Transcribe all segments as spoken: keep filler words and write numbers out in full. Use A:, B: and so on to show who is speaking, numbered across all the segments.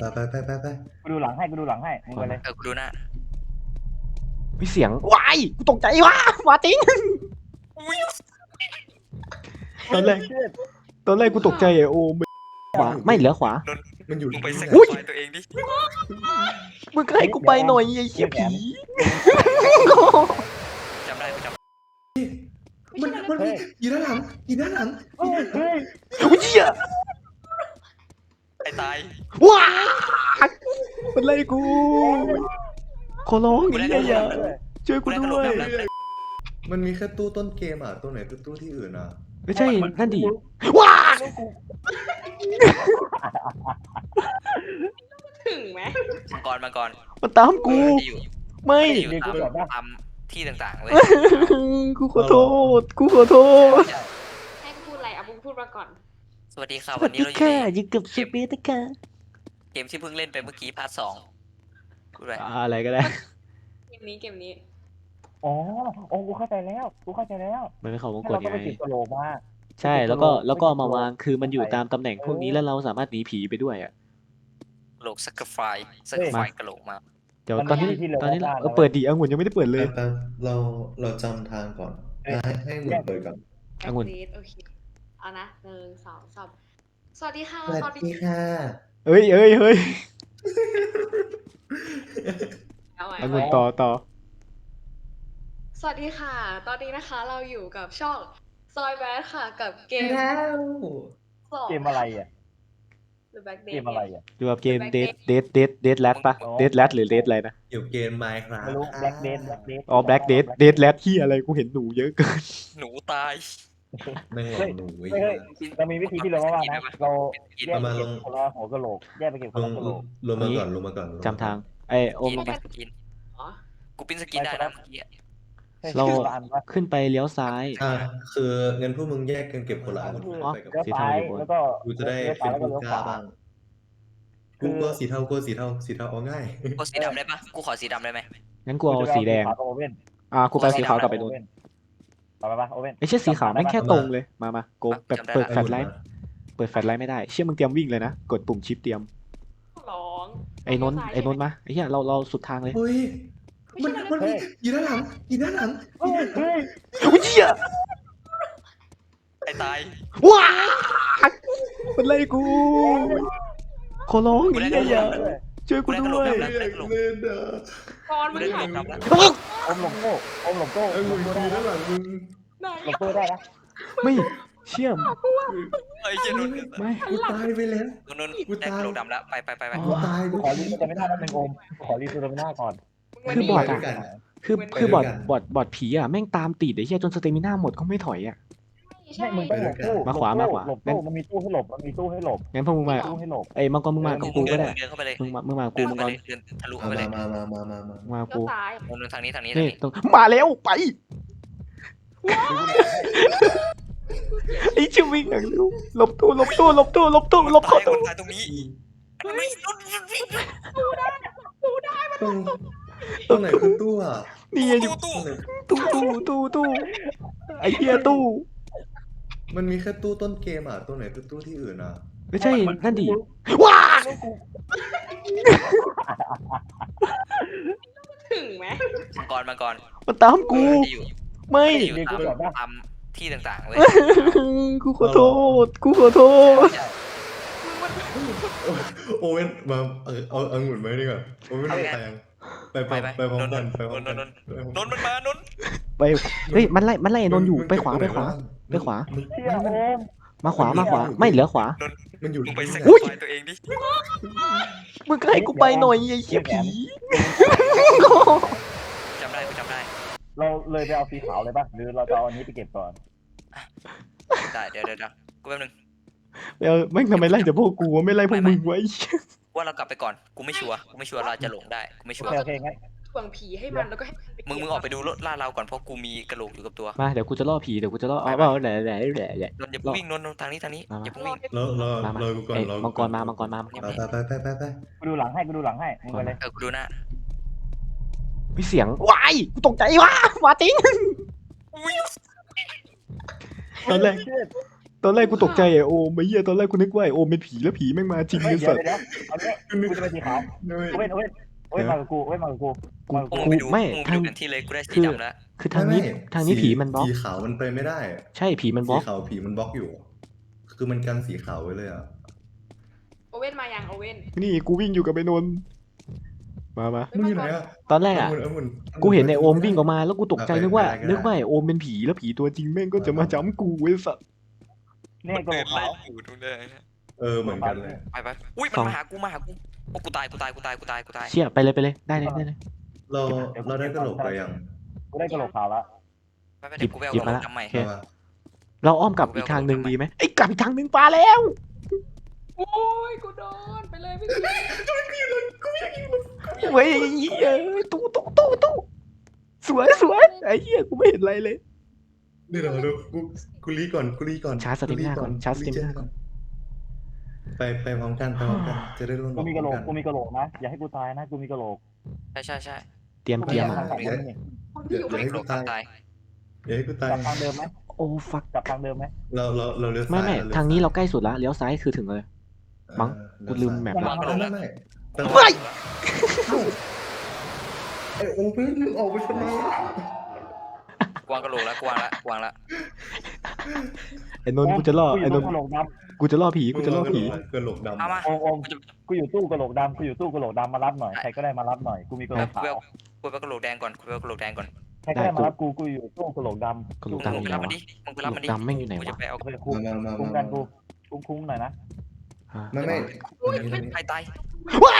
A: ไปไปไปไปไป
B: กูดูหลังให้กูดูหลังให้มึงไปเลย
C: เออกูดูหน้า
D: มีเสียงวายกูตกใจว่ะมาจริงตอนแรกตอนแรกกูตกใจไอโอมขวาไม่เหลือขวา
A: มันอยู่
C: มึงไปสัก
D: อุ้ย
C: ไฟตัวเองดิ
D: มึงก็ให้กูไปหน่อยไอ้เหี้ยผี
C: จำได้กูจำ
A: มันมันอยู่ด้านหลังอยู่ด้านหลัง
B: เฮ้ยเฮ้ย
D: อุ้ยเหี้ย
C: ไอ้ตาย
D: ว้ามันไล่กูขอร้องไอ้เหี้ยอย่าช่วยกูด้วย
A: มันมีแค่ตู้ต้นเกมอ่ะตู้ไหนตู้ตู้ที่อื่นอ่ะ
D: ไม่ใช่นั่นดิว้า
E: ถึงไหม
C: มังกรมังกร
D: มันตามกูไม่
C: อยู่ตามตามที่ต่างๆเลย
D: กูขอโทษกูขอโทษ
E: ให้กูพูดอะไรอ่ะมึงพูดมาก่อน
C: สวัสดีค่ะ
D: ส
C: วั
D: วัน ส
C: นี้
D: ดี
C: เราอยู่
D: ค่ะ
C: ใน
D: อยู่กับเชฟเบสค่ะ
C: เกมที่เพิ่งเล่นไปเมื่อกี้พาร์ทสองกูด้วย
D: อะไรก็ได้
E: เกมนี้เกมนี้
B: อ๋อโอ้กูเข้าใจแล้วกูเข้าใจแล้ว
D: มันเป็นของมง
B: ให้
D: กฎ
B: เราต้อง
D: ไง
B: ไปจิบกระโหลกมา
D: ใช่แล้วก็แล้วก็เอามาวางคือมันอยู่ตามตำแหน่งพวกนี้แล้วเราสามารถหนีผีไปด้วยอ่ะ
C: กระโหลกสักกระไฟสักกระไฟกระโหลกมา
D: เดี๋ยวตอนนี้ตอนนี้เออเปิดดีองุ่นยังไม่ได้เปิดเลย
A: แป๊บเราเราจำทางก่อนให้ให้หมุนเปิดก่อน
E: แอ
D: องุ่น
E: คลิโอเคเอานะหนึ่งสองสามสวัสดีค่ะ
A: สวัสดีค่ะ
D: เอ้ยเอ้ยเฮ้ย
E: เอาใหม่
D: องุ่นต่อต่อ
E: สวัสดีค่ะ ตอนนี้นะคะเราอยู่กับช่องซอยแบทค่ะกับเกม
A: แล้ว
E: สอง
B: เกมอะไรอ่ะ
E: หรือแบ็กเด
B: เกมอะไรอ่ะ
D: อยู่กับเกมเดดเดดเดดเดดแรดปะเดดแรดหรือเดดอะไรนะ
A: อยู่เกมไมค์ครับ
B: ไม่รู้แบล็กเดนแบล็กเดน
D: อ๋อแบล็กเดดเดดแรดที่อะไรกูเห็นหนูเยอะเกิน
C: หนูตาย
A: แม่งหลอกหนูไอ้
B: เฮ้ย
A: เหี้ย
B: เรามีวิธีที่เราว่านะเราแยก
A: เอา
B: ไป
A: มาล
B: เก็บ
A: ง
B: คนละหัวกะโหลกแยกไปเก็บคน
A: ล
B: ละ
A: ง
B: กะโหลก
A: ลงมาก่อนลงมาก่อนลงมก่อน
D: จำทางไอโอมลงไป
C: สกิน
E: อ๋อ
C: กูปิ้นสกินได้นะเมื่อกี้
D: เรา
B: คนละอันปะ
D: ขึ้นไปเลี้ยวซ้าย
A: อ่าคือเงินพวกมึงแยกกันเก็บคนละอัน
B: คือ
A: ไปกับ
B: เลี้ยวซ้ายแล้วก็
A: กูจะได้
B: เลี้ยว
A: เป็
B: ซ้าย
A: น
B: แล้วก็
A: ผู้
B: เลี้ยว
A: ก
B: ข
A: ล้าว
B: า
A: บ้างกูก็สีเทากูสีเทาสีเทาเอาง่าย
C: กูสีดำได้ปะกูขอสีดำได้ไหม
D: งั้นกูเอาสีแดง
B: ขาวกับโอเว่น
D: อ่ากูไปเอาสีขาวกลับไปนู่น
B: ไปไปไปโอเว่น
D: ไอ้เชี่ยสีขาวแม่งแค่ตรงเลยมามาโกแบบเปิดแฟลชไลท์
A: มา
D: เปิดแฟลชไลท์ไม่ได้เชี่ยมึงเตรียมวิ่งเลยนะกดปุ่มชิปเตรียม
E: ร้อง
D: ไอ้นนท์ไอ้นนท์มาไอ้เหี้ยเราเราสุดทางเลย
A: เฮ้ยมันมันอยู่ด้านหลังอยู่ด้านหลัง
B: เฮ้ยเฮ้ย
D: อุ้ยเหี้ย
C: ไอ้ตาย
D: ว้ามันไล่กูขอร้องไอ้เหี้ยอย่าช่วยกูด้วย
A: เล่นเล่นอ่ะ
E: ตอนมึง
C: ได้
E: หาย
C: ดำแล้ว
B: อมหลงโก้อมหลงโก้
A: ไอ้มึงอยู่ด้านหลังมึง
E: ไหน
B: หลงโก้ได้นะ
D: ไม่เชี่ยม
C: ไอ้เหี้ยนนท์
D: ไม่
A: กูตายไปแล้ว
C: นนท์ได้กระโหลกดำแล้วไปไปไปไป
A: กูตาย
B: ขอรีสเตอร์มิน่าแป๊บนึงโอมขอรีสเตอร์มิน่าก่อน
D: คือบอด
A: ด้
D: อ่ะ
A: วยกัน
D: คือคือบอดบอดบอดผีอ่ะแม่งตามติดไอ้เหี้ยจนสเตมิน่าหมดก็ไม่ถอยอ่ะ
E: ใช่
B: ไม่มึงต้องหลบตู้
D: มาขวามาขวา
B: หลบตู้มันมีตู้ให้หลบมันมีตู้ให้หลบ
D: งั้นพวกมึงมา
B: ตู้ให้หลบ
D: ไอ้มังกรมึงมากับกูก็ได้
C: เดินเข้าไปเลย
D: มึงมามึงมากับ
C: เดิ
D: กู
C: น
D: มัง
C: เข้าก ไป
D: ร
C: เลยเดินทะลุ
A: มา
C: เข้าไปเลย
A: มามามามามา
D: มึงมากับ
E: ก็
D: กู
E: ตาย
C: นนท์ทางนี้ทางนี้
D: นี่
C: ทางนี้
D: ตรงมาแล้วไปไอ้ชิวิ่งอย่างเร็วหลบตู้หลบตู้หลบตู้หลบตู้หลบเข้า
C: ค
D: ตู้
C: นตายตรงนี้อันนี้นนท์
A: ตรงตรงไหนคือตู้อ่ะ
D: นี่อยู่
C: ตู้
A: ตรงไหน
D: ตู้ตู้ตู้ตู้ไอ้เหี้ยตู้
A: มันมีแค่ตู้ต้นเกมอ่ะตู้ไหนคือตู้ที่อื่นอ่ะ
D: ไม่ใช่นั่นดิว้า
E: ถึงไหม
C: มังกรมังกร
D: มันตามกู
C: อยู่
D: ไม่
C: อยู่ตามตามที่ต่างๆเลย
D: กูขอโทษกูขอโทษ
A: โอเว่นมาเออเอาเอาหมุนไว้ดีกว่าโอเว่นไปยังไปไปไปพร้อมกันไปพร้อมกัน
C: นนท์มันมานนท์
D: ไปเฮ้ยมันไล่มันไล่ไอ้นนท์อยู่ไปขวาไปขวาไปขวา
B: เชี่ยโอม
D: มาขวามาขวาไม่เหลือขวา
A: มันอยู่
C: มึงไปสัก
D: อุ้ย
C: ไฟตัวเองดิ
D: มึงก็ให้กูไปหน่อยไอ้เหี้ยผี
C: จำได้กูจำได้
B: เราเลยไปเอาสีขาวเลยป่ะหรือเราจะเอาอันนี้ไปเก็บก่อน
C: ได้เดี๋ยวเดี๋ยวกูแป๊บนึง
D: เออแม่งทำไมไล่แต่พวกกูวะไม่ไล่พวกมึงไว้
C: ว่าเรากลับไปก่อนกูไม่ชัวร์กูไม่ชัวร์เราจะหลงได้กูไม่ชั
B: โอ
C: วร์
B: เคโอเคงั้น
E: ถ่วงผีให้มันแล้วก็ให้
C: มึงมึงออกไปดูรถล่าเราก่อนเพราะกูมีกระโหลกอยู่กับตัว
D: มาเดี๋ยวกูจะล่อผีเดี๋ยวกูจะล่อเอาเอาแหล่แหล่แหล่แหล่
C: นนท์อย่าเพิ่งวิ่งนนท์นนท์ทางนี้ทางนี้อย่าเพิ่งวิ่ง
A: รอรอ
D: มามาร
A: อกูก่อน
D: เอ้ย
A: รอ
D: มังกรมามังกรมามังกร
A: ไปไปไปไปไป
B: กูดูหลังให้กูดูหลังให้มึงไปเลย
C: เออกูดูหน้า
D: มีเสียงวายกูตกใจว่ะมาจริงตอนแรกตอนแรกกูตกใจไอโอมไอ้เหี้ยตอนแรกกูนึกว่าไอโอมเป็นผีแล้วผีแม่งมาจริง
B: เฮ้ย
D: ไอ้
B: เดี๋ย
D: สั
B: ว
D: ตว์
B: เดี๋ยวเอาเนี่ยกูจะเป็นสีขาว
A: ด้วย
B: โอเว่นโอเว่นโอเว่นมากับกูโอเว่นมากับกูมากับ
C: พว
B: กู
C: กมึงไปดู
D: ไม่
C: พวกมึงไป
D: ทาง
C: ดูกันที่เลยกูได้สี
D: คือ
C: ดำแล้ว
D: คือทางนี้
A: ไม่
D: ทางนี้
A: สี
D: ผีมันบล็อก
A: สีขาวมันไปไม่ได้
D: ใช่ผีมันบ
A: สี
D: ล็อก
A: ขาวผีมันบล็อกอยู่ คือมันกันสีขาวไว้เลยอ่ะ
E: โอเว่นมายังโอเว่น
D: นี่กูวิ่งอยู่กับไอ้นนท์มามา
A: มึงอยู่ไหนอ่ะ
D: ตอนแรกอะ
A: เาหมุน
D: กูเห็นไอโอมวิ่งออกมาแล้วกูตกใจ
A: เอาไป
D: นึกว่า
A: ได้ก็ได้
D: นึกว่าไอโอมเป็นผีแล้วผีตัวจริงแม่งก็จะมาจ้ำกูไอ้สัตว์
B: เนี่ยกระโหลกขาว
C: อยู่ตรงนี้
A: เออเหมือนกันเลย
C: ไปไปอุ้ยมันมาหากูมาหากูโอ้กูตายกูตายกูตายกูตายกูตาย
D: เชี่ยไปเลยไปเลยได้เลยได้เลย
A: เราเราได้กระโหลกไปยัง
B: กูได้กระโหลกขาวแล้ว
C: ไปไปเดี๋ยวกูไปเอา
D: หยิบ
C: กระ
D: มา
C: โหล
D: ละ
C: กดำใหม่
D: โอเค
A: เอามา
D: เราอ้อมกลับอีกทางหนึ่งดีไหมไอ้ยกลับอีกทางหนึ่งปลาแล้ว
E: โอ้ยกูโดนไปเลยพี่
D: เว้ยเหี้ยตู้ตู้ตู้ตู้สวยสวยไอ้เหี้ยกูไม่เห็นอะไรเลย
A: นี่เดี๋ยวเดี๋ยวกูกูรีก่อนกูรีก่อน
D: ชาร์จสติมหน้าก่อนชาร์จสติมหน้าก่อน
A: ไปไปพร้อมกันไปพร้อมกันจะได้ร่วม
B: กูมีกระโหลก
A: พ
B: กู
A: ร้อม
B: มีกระโหลกนะอย่าให้กูตายนะกูมีกระโหลก
C: ใช่ใช่ใช่
D: เตรียม
B: กู
D: เตรียม
B: ทางสองคนนี่
E: คนที่อยู่
A: อย่า
E: ไม่
A: ให้
C: กระโหล
A: กู
C: ก
A: ตาย
C: ตาย
A: อย่าให้กูตาย
B: กลับทางเดิมไหม
D: โอ้ฟัก
B: กลับทางเดิมไหม
A: เราเราเราเลี้ยวซ้าย
D: ไม่ไม่
A: เลี้ยว
D: ทางนี้
A: ซ้ย
D: เราใกล้สุดละเลี้ยวซ้ายคือถึงเลย มั้ง
A: เออ
D: กูลืมแมป
A: ไม่
D: ละ
A: ไม่ไม่ไม่แต่
D: เฮ้ย
A: ไอโอเพ่นออกไปทำไม
C: กวางกระโหลกแล้วกวางละกวางละ
D: ไอ้นนท์กูจะล่อ
B: กูอ
D: ไอ้
B: ยู่
D: น
B: ตู้
D: นท์
B: กระโหลกด
D: กูจะล่อผีกูจะล่อผี
A: กระโหลกดำ
C: เอามา
B: ำโอมโอมกูอยู่ตู้กระโหลกดำกูอยู่ตู้กระโหลกดำมารับหน่อยใครก็ได้มารับหน่อยกูมีกระโหลก
C: กู
B: ขา
C: ไป
B: ว
C: เอากูไปเอากระโหลกแดงก่อนกูไปเอากระโหลกแดงก่อน
B: ใครก็ได้มารับกูกูอยู่ตู้กระโหลกดำ
D: กระโหลก
C: มึ
D: ดำ
C: งไปรับมันดิมึงไปรับมันดิ
D: กระโหลกดำแม่งอยู่ไหนวะ
C: กูจะไปเอา
B: เอาไปคุ้ม
A: มามา
B: คุ้ม
A: มา
B: กันกูคุ้มคุ้มหน่อยนะ
D: อ่ะ
A: ไม่ไม่
C: ใครตาย
D: ว้าย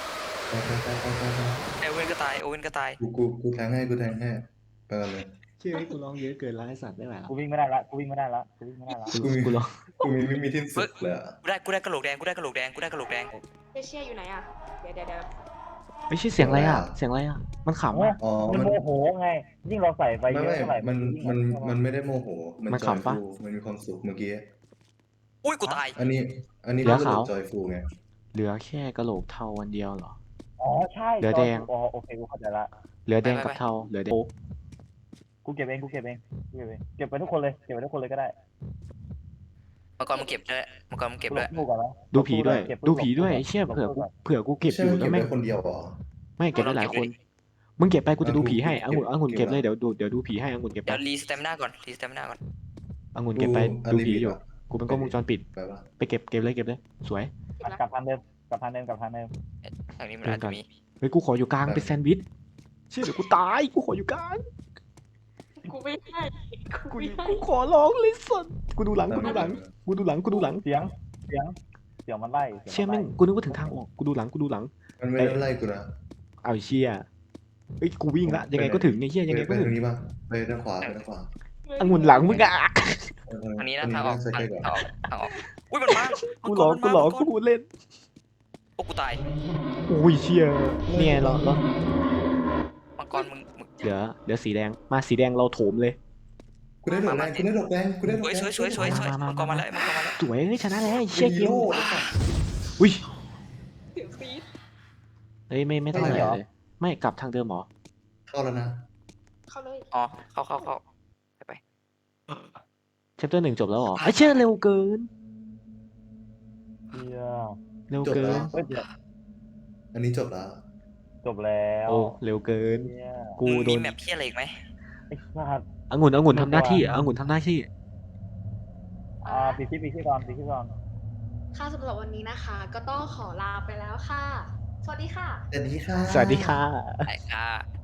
C: ไอโอเว่นก็ตายโอเว่นก็ตาย
A: กูกูกูแทงให้กูแทงให้ไปกันเลย
D: ชื่อกูร้องเยอะเกินแล้วไอ้สัตว์ได้ไหมล่ะ
B: กูวิ่งไม่ได้ละกูวิ่งไม่ได้ละกูวิ่งไม่ได้ละ
D: กูกูร้อง
A: กูมีไม่มีที่สุดเลยอะ
C: กูได้กูได้กระโหลกแดงกูได้กระโหลกแดงกูได้กระโหลกแดง
E: เอเชียอยู่ไหนอ่ะเดี๋ยวเดี๋ยวเดี๋ยว
D: ไม่ใช่เสียงอะไรอ่ะเสียงอะไรอ่ะมันขำอ่ะ
A: อ๋อ
B: มัน
A: มัน
B: โมโหไง ยิ่งเราใส่ไป
A: ไม่
B: เยอะ
A: ไม่
B: เท่าไหร่
A: มัน
B: ยิ่ง
A: มัน
B: ใส่
A: มันไม่ได้โมโห มัน
D: มัน
A: จอย
D: ขำปะ
A: ฟูมันมีความสุขเมื่อกี้
C: อุ้ยกูตาย
A: อันนี้ อันนี้
D: เหลือ
A: ก็
D: ขาว
A: จอยฟูไง
D: เหลือแค่กระโหลกเทาวันเดียวเหรอ
B: อ๋อใช่
D: เหลือแดง
B: อ๋อโอเคกูเข้าใจละ
D: เหลือแดงกับเทาเหลือแดง
B: กูเก็บเองกูเก็บเองกูเก็บเองเก็บไปทุกคนเลยเก็บไปทุกคนเลยก็ได้
C: มังกรมึงเก็บด้วยมังกรมึงเก็บด้วย
B: กูก่อนนะ
D: ดูผีด้วย
B: เก็บ
D: ดูผีด้วยไอ้เชี่ยเผื่อกูเผื่อกูเก็บ
A: ใช่
D: อยู่
A: มัน
D: แล้
A: เก็
D: ว
A: บ
D: แม่ง
A: ได้คนเดียวเหรอ
D: ไม่เก็บได้หลายคนมึงเก็บไปกูจะดูผีให้
A: อ่ะ
D: องุ่น
A: กู
D: องุ่น
A: เก็
D: เก็
A: บบ
D: เลย
A: ละ
D: เดี๋ยวดูเดี๋ยวดูผีให้องุ่นเก็บไป
C: เดี๋ยวรีสเตมหน้าก่อนรีสเตมหน้าก่อน
D: องุ่นเก็บไป
A: กู
D: ดูผี
A: อันนี้
D: อยู่
A: ดีกว่า
D: กูเป็นกล้องวงจรปิด
A: ไปปะ
D: ไปเก็บเก็บเลยเก็บเลยสวย
E: เก็บแล้ว
B: กลับทางเดิมกลับทางเดิมกลับทางเดิม
C: ทางนี้มันอาจจะมี
D: เฮ้ยกูขออยู่กลางเป็นแซนด์วิชเชี่ยเดี๋ยวกูตายกูขออยู่กลาง
E: กูไม่ให้กู
D: กู
E: ไม่ให้
D: กูขอร้องเลยสัสกูดูหลังกูดูหลังกูดูหลังกูดูหลัง
B: เสียงเสียงเสียงมันไล่สีย
D: เชี่ย
B: น
D: แม่งกูนึกว่าถึงทางออกกูดูหลังกูดูหลัง
A: มันไม่ได้ไล่กูนะ
D: เอาไอ้เชี่ยเฮ้ยกูวิ่งละยังไงก็ถึงไอ้เชี่ยยังไง
A: ไป
D: ก็ถึ
A: ทาง งนี้ป่ะไปทางขวาไปทางขวา
D: องุ่นหลังมึงอะ
A: เออ
C: ทางนี้นะทางออก
A: ใส่
C: ทาง
A: ใกล้ก่อน
C: ออกทางออกอุ้ยมันมา
D: กูหลอกกูหลอกกูพูดเล่น
C: โอ้กูตาย
D: โอ้ยเชี่ยเนี่ยเหรอเหรอ
C: มังกรมึงมึง
D: เหลือเหลือสีแดงมาสีแดงเราโถมเลย
A: กูได้ดอกแดงกูได้ดอกแดงกูได้ดอก
C: สวย
A: แดง
C: สวยสวยสวยสวยมังกรมาแล้วมังกรมาแล้ว
D: สวยเฮ้ยชนะแล้วไอ้
A: กู
D: เชี่ย
A: มี
D: เกม
A: โล่
D: อุ้ย
E: เสียงซีด
D: เฮ้ยไม่ไม่ต้องอะไรเลยไม่กลับทางเดิมหรอ
A: เข้าแล้วนะ
E: เข้าเลย
C: อ๋อเข้าเข้าเข้าไป
D: เชปเตอร์หนึ่งจบแล้วเหรอไอ้เชี่ยเร็วเกิน
B: เฮีย
D: เร็ว
A: จบ
D: เกิ
A: แล้
D: น
A: ว
B: เฮ้ยเดี๋ยว
A: อันนี้จบแล้ว
B: จบแล้ว
D: โอ้เร็วเกิน
B: เฮีย
D: กู
C: มึง
D: โด
C: มี
D: น
C: แมปเพี้ยอะไรอีกไหม
B: ไอ้สัตว์
D: องุ่นองุ่นทำหน้าที่องุ่นทำหน้าที่
B: อ่าปีที่ปีที่ก่อนปีที่ก่อน
E: ค่ะสำหรับวันนี้นะคะ ก็ต้องขอลาไปแล้วค่ะ สวัสดีค่ะ
A: สวัสดีค่ะ
D: สวัสดีค่ะ
C: ไอ้ค่ะ